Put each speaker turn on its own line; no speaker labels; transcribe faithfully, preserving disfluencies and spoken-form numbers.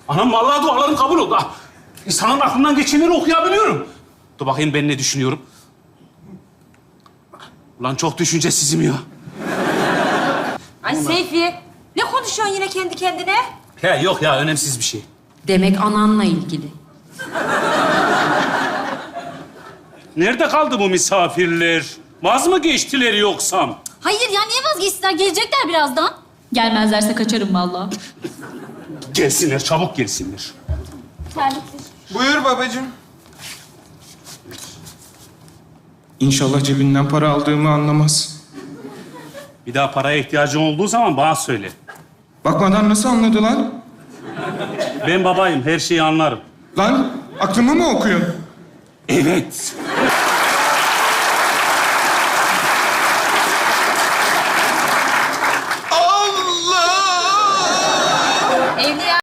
Anam vallahi dualarım kabul oldu. Ah, İnsanın aklından geçenleri okuyabiliyorum. Dur bakayım ben ne düşünüyorum. Ulan çok düşüncesizim ya.
Ay Seyfi, ne konuşuyorsun yine kendi kendine?
He yok ya, önemsiz bir şey.
Demek ananla ilgili.
Nerede kaldı bu misafirler? Vaz mı geçtiler yoksa?
Hayır ya niye vazgeçsinler? Gelecekler birazdan.
Gelmezlerse kaçarım vallahi.
Gelsinler, çabuk gelsinler.
Terlikli.
Buyur babacığım. İnşallah cebinden para aldığımı anlamaz.
Bir daha paraya ihtiyacın olduğu zaman bana söyle.
Bakmadan nasıl anladı lan?
Ben babayım, her şeyi anlarım.
Lan aklımı mı okuyorsun?
Evet.